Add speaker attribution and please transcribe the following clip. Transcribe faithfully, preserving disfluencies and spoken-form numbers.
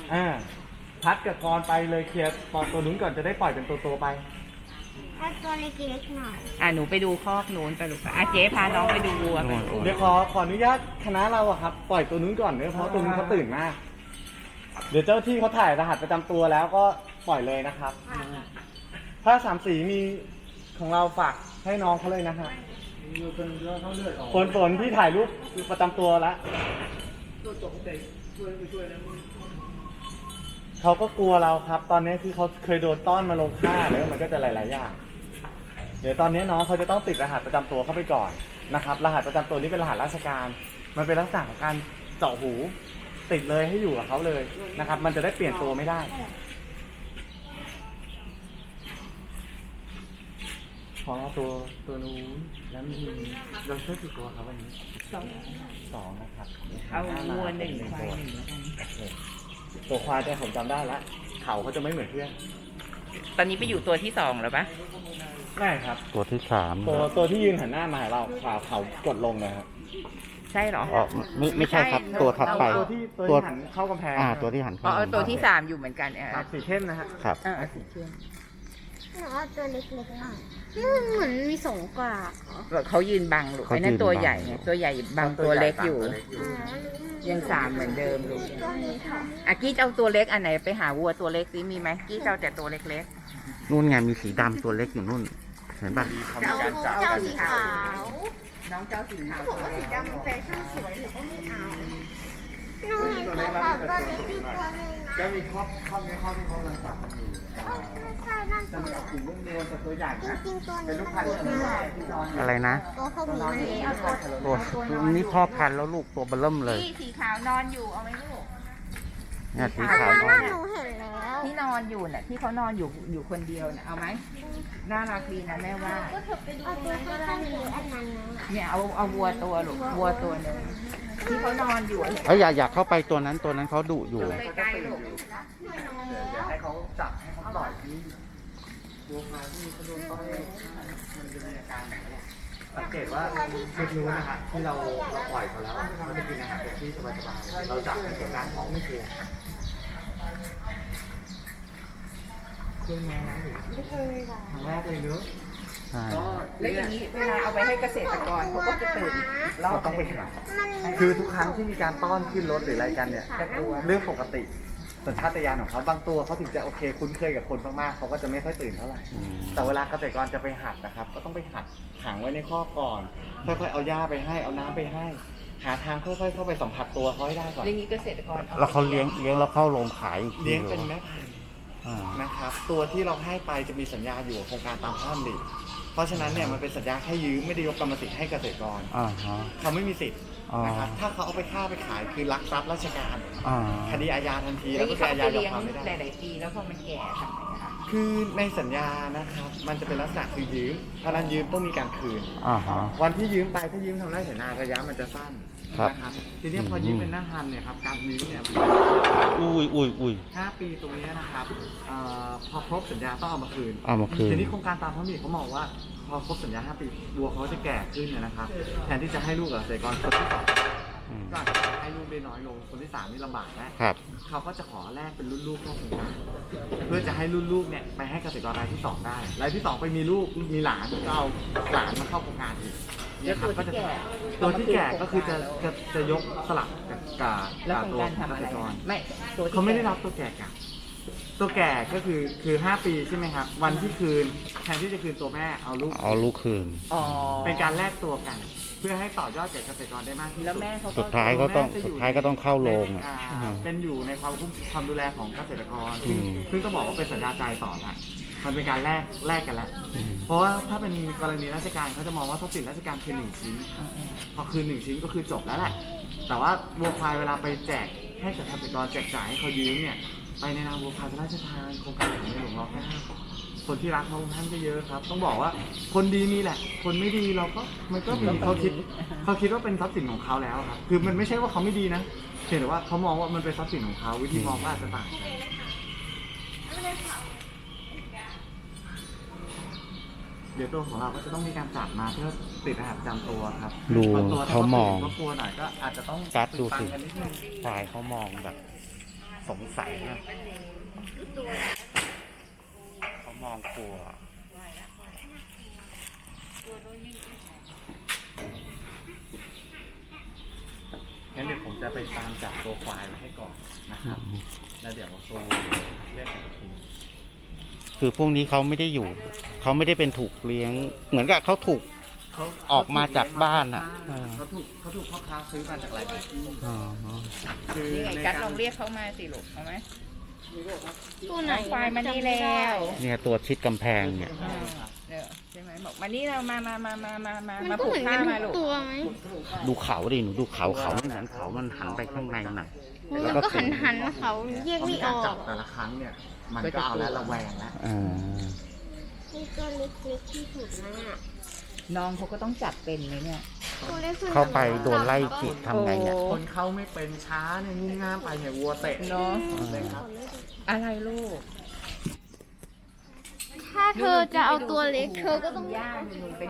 Speaker 1: อ่าพัดกับกรไปเลยเคลียร์ปล่อยตัวนู้นก่อนจะได้ปล่อยเป็นตัวตัวไป
Speaker 2: เอาตัวเล็กๆหน่อย
Speaker 3: อ่ะหนูไปดูคอกนู้นไปลูกอ่ะเจ๊พาน้องไปดูวัวไป
Speaker 1: เดี๋ยวขอขออนุญาตคณะเราอะครับปล่อยตัวนู้นก่อนเนื่อเพราะตัวนู้นเขาตื่นมากเดี๋ยวเจ้าที่เขาถ่ายรหัสประจำตัวแล้วก็ปล่อยเลยนะครับถ้าสามสีมีของเราฝากให้น้องเขาเลยนะฮะฝนฝนที่ถ่ายรูปประจำตัวแล้วเขาก็กลัวเราครับ ตอนนี้คือเขาเคยโดนต้อนมาลงฆ่าแล้วมันก็จะหลายๆอย่างเดี๋ยวตอนนี้น้องเขาจะต้องติดรหัสประจำตัวเข้าไปก่อนนะครับรหัสประจำตัวนี้เป็นรหัสราชการมันเป็นลักษณะของการเจาะหูติดเลยให้อยู่กับเขาเลยนะครับมันจะได้เปลี่ยนตัวไม่ได้ของเราตัวตัวนู้นแล้วมีเราช่วยกี่ตัวครับวันนี้สองสองนะครับ
Speaker 3: เอาวัวหนึ่งควายหนึ่งแล้วกัน
Speaker 1: ตัวควายแต่ผมจำได้ละเขาเขาจะไม่เหมือนเพื่อน
Speaker 3: ตอนนี้ไปอยู่ตัวที่สองแล้วปะ
Speaker 1: ไม่ครับ
Speaker 4: ตัวที่สาม
Speaker 1: ตัวตัวที่ยืนหันหน้ามาหาเราขาเขากดลงเลยครับ
Speaker 3: ใช่หรอ
Speaker 4: อ๋อไม่ไม่ใช่ครับตัวถัดไป
Speaker 1: ตัวที่ตัวที่หันเข้ากำแพง
Speaker 4: อ่าตัวที่หัน
Speaker 3: อ๋อตัวที่สามอยู่เหมือนกันเออ
Speaker 1: สีเข้มนะฮะ
Speaker 4: ครับ
Speaker 3: อ่าสีเข้ม
Speaker 2: หนูเอาตัวเล็กๆหน่อยมันเหมือนมีสองกว่า
Speaker 3: เขายืนบังลูกไอ้นั่นตัวใหญ่ไงตัวใหญ่บังตัวเล็กอยู่ยังสามเหมือนเดิมลูกอ่ะกี้เอาตัวเล็กอันไหนไปหาวัวตัวเล็กซิมีไหมกี้เอาแต่ตัวเล็ก
Speaker 4: ๆนู่นไงมีสีดำตัวเล็กอยู่นู่นเห็นป่ะ
Speaker 2: เจ้าเจ้าสีขาว
Speaker 3: น้องเจ้าสีขาว
Speaker 2: สีดำแฟชั่นสวยหนูก็ไม่เอาหนูเห็นเขาขาวตัวเล็กอีกตัวนึงนะ
Speaker 1: ก็มีครอบครอบในครอบที่เขากำลังจับมันอยู่
Speaker 2: ไม่ใช่นั่น
Speaker 1: จะมีกลุ่มรุ่นเดียวแต่ตัวใหญ่นะ
Speaker 2: จริงๆตัว
Speaker 1: เป็น
Speaker 2: นี้
Speaker 1: ลูกพันธุ์
Speaker 4: อะไรนะ
Speaker 2: ตัวพวกนี้มันเอา
Speaker 4: ตั
Speaker 2: ตัว
Speaker 4: วนี้พ่อพันธุ์แล้วลูกตัวเบลิ่มเลย
Speaker 3: ที่สีขาวนอนอยู่เอาไหมลูก
Speaker 4: เนี่ยสี
Speaker 2: ขาวนอนหนูเห็นแล้ว
Speaker 3: ที่นอนอยู่น่ะที่เขานอนอยู่อยู่คนเดียวน่ะเอาไหมน่ารักดีนะแม่ว่า
Speaker 2: เอาตัวข้างๆหรืออันนั้นนะ
Speaker 3: เนี่ยเอาเอาวัวตัวลูกวัวตัวหนึ่งที่เขานอนอยู่
Speaker 4: เอ้ยอย่าอยากเข้าไปตัวนั้นตัวนั้นเขาดุอยู่
Speaker 3: ใกล้ๆลูก
Speaker 1: เดี๋ยวให้เขาจับให้เขาปล่อยที่วัวควายที่เขาโดนต้อนมันจะมีอาการแบบนี้สังเกตว่าชุดนู้นนะครับที่เราเราปล่อยเขาแล้วเขาจะกินอาหารแบบที่สบายๆเราจับให้เกิดการท้องไม่เคลียร์เคยมา
Speaker 2: ไม่เคยค่ะ
Speaker 1: ครั้งแรกเลยเนอะ
Speaker 4: ใช่
Speaker 3: แล้วอย่างนี้เวลาเอาไปให้เกษตรกรเขาก็จะตื่น
Speaker 1: เราต้องไปหาคือทุกครั้งที่มีการต้อนขึ้นรถหรืออะไรกันเนี่ยเรื่องปกติสัญชาตญาณของเขาบางตัวเขาถึงจะโอเคคุ้นเคยกับคนมากๆเขาก็จะไม่ค่อยตื่นเท่าไหร่แต่เวลาเกษตรกรจะไปหัดนะครับก็ต้องไปหัดขังไว้ในคอกก่อนค่อยๆเอาหญ้าไปให้เอาน้ำไปให้หาทางค่อยๆเข้าไปสัมผัสตัวเขาให้ได้ก่อน
Speaker 3: อย่างนี้เกษตรกร
Speaker 4: แล้วเขาเลี้ยงเลี้ยงแล้วเข้าโรงขาย
Speaker 1: เลี้ยงเป็นแม่พันธุ์นะครับตัวที่เราให้ไปจะมีสัญญาอยู่กับโครงการตามพระราชดำริเพราะฉะนั้นเนี่ยมันเป็นสัญญาแค่ยืมไม่ได้ยกกรรมสิทธิ์ให้เกษตรกรเขาไม่มีสิทธิ์นะครับถ้าเขาเอาไปฆ่าไปขายคือลักทรัพย์ราชการคดีอาญาทันทีแล้วก็เป็นอาญายอมความไม่ได้
Speaker 3: หลายๆปีแล้วพอมันแก่ทำไงคะ
Speaker 1: คือในสัญญานะครับมันจะเป็นลักษณะคือยืมเพราะนั้นยืมต้องมีการคืน
Speaker 4: อ่าฮะ
Speaker 1: วันที่ยืมไปถ้ายืมทำไร่ไถนาระยะมันจะสั้นนะครับทีนี้พอยืมเป็นหน้าพันเนี่ยครับการยืมเนี่ย
Speaker 4: อุ้ยอุ้ยอุ้ย
Speaker 1: ห้าปีตรงนี้นะครับพอครบสัญญาต้องเอามาคืน
Speaker 4: เอามาคืน
Speaker 1: ทีนี้โครงการตามพระราชดำริเขามองว่าพอครบสัญญาห้าปีวัวเขาจะแก่ขึ้นนะครับแทนที่จะให้ลูกกับเกษตรกรคนที่สองก็อาจจะให้ลูกได้น้อยลงคนที่สามนี่ลำบากแล้วเขาก็จะขอแลกเป็นรุ่นลูกเข้าโครงการเพื่อจะให้รุ่นลูกเนี่ยไปให้เกษตรกรรายที่สองได้รายที่สองไปมีลูกมีหลานก็เอาหลานมาเข้าโครงการอีก
Speaker 3: เนี่ยครับก็จะ
Speaker 1: ตัวที่แก่ก็คือจะจะจะยกสลับกับกับตัวเกษตรกร
Speaker 3: ไม่
Speaker 1: เขาไม่ได้รับตัวแก่กันตัวแก่ก็คือคือห้าปีใช่ไหมครับวันที่คืนแทนที่จะคืนตัวแม่เอาลูก
Speaker 4: เอาลูกคืน
Speaker 1: เป็นการแลกตัวกันเพื่อให้ต่อยอดแก่เกษตรกรได้มากที่สุด
Speaker 3: แล้วแม่เขา
Speaker 4: สุดท้ายก็ต้องสุดท้ายก็ต้องเข้าโรงอ่ะ
Speaker 1: เป็นอยู่ในความคุ้มความดูแลของเกษตรกรซึ่งต้องบอกว่าเป็นสัญญาใจต่อละมันเป็นการแลกแลกกันแล้วเพราะว่าถ้าเป็นกรณีราชการเขาจะมองว่าทรัพย์สินราชการคือหนึ่งชิ้นพอคืนหนึ่งชิ้นก็คือจบแล้วแหละแต่ว่าวัวควายเวลาไปแจกให้กับเกษตรกรแจกจ่ายให้เขายืมเนี่ยไปในนามวัวควายพระราชทานโครงการของในหลวงรัชกาลที่เก้าคนที่รักพระองค์ท่านก็เยอะครับต้องบอกว่าคนดีมีแหละคนไม่ดีเราก็มันก็มีเขาคิดเขาคิดว่าเป็นทรัพย์สินของเขาแล้วครับคือมันไม่ใช่ว่าเขาไม่ดีนะเพียงแต่ว่าเขามองว่ามันเป็นทรัพย์สินของเขาวิธีมองก็อาจจะต่างกันเดี๋ยวตัวของเราก็จะต้องมีการจับมาเพื่อติดรหัสประจำตัวครับ
Speaker 4: ดูเขามอง
Speaker 1: ก็กลัวหน่อยก็อาจจะต้อง
Speaker 4: กัดดูสิฝ่ายเขามองแบบสงสัยอะเขามองกลัว
Speaker 1: งั้นเดี๋ยวผมจะไปตามจับตัวควายมาให้ก่อนนะครับ แล้วเดี๋ยวตัวเรียกอีกที
Speaker 4: คือพวกนี้เขาไม่ได้อยู่ เขาไม่ได้เป็นถูกเลี้ยง เหมือนกับเขาถูก
Speaker 1: เขา
Speaker 4: ออกมาจากบ้านอะเออ
Speaker 1: เขาถูกเขาถูกพ่อค้าซื้อมาจากหลายๆที่
Speaker 4: อ๋อ
Speaker 1: คือ
Speaker 3: นี่ไง
Speaker 1: ใน
Speaker 3: กัด
Speaker 1: การ
Speaker 3: ลองเรียกเขามาสิลูกเอาไหม
Speaker 2: ตัวไหน
Speaker 3: ควายมานี่แล้ว
Speaker 4: เนี่ยตัวชิดกำแพงเนี่ย
Speaker 3: อ่าเดี๋ยวใช่ไหมบอกมานี่เรามามามามามามา
Speaker 2: มัน
Speaker 3: มา
Speaker 2: ก็
Speaker 3: ผู
Speaker 2: เห
Speaker 3: ก
Speaker 2: มือน
Speaker 3: ผ้า
Speaker 2: กัน
Speaker 3: มา
Speaker 2: ทุ
Speaker 3: ลู
Speaker 2: ก
Speaker 3: ก
Speaker 2: ตัวไหม
Speaker 4: ดูเขาดิหนูดูเขาเขาไม่เหมือนเขามันหันไปข้างในน่ะ
Speaker 2: มันก็หันหันๆเขาแยก
Speaker 1: เพราะ
Speaker 2: ไม่
Speaker 1: มี
Speaker 2: อ
Speaker 1: การ
Speaker 2: อ
Speaker 1: จั
Speaker 2: ก
Speaker 1: บแต่ละครั้งเนี่ย มันก็เอาแล้วระแวงแล้ว
Speaker 4: อ่า
Speaker 2: มีตัวเล็กๆที่สุดนะ
Speaker 3: น้องเขาก็ต้องจับเป็นไหมเนี่ย
Speaker 2: ตัวเล็กสุด
Speaker 4: เข้าไปโดนไล่จิตทำไงเนี่ย
Speaker 3: โอ้
Speaker 1: คนเข้าไม่เป็นช้าเนี่ยงุ่มง่ามไปเนี่ยวัวเตะ
Speaker 3: เนาะ
Speaker 1: เลยครับ
Speaker 3: อะไรลูก
Speaker 2: ถ้าเธอจะเอาตัวเล็กเธอก็ต้อง
Speaker 3: ย่าหนูไป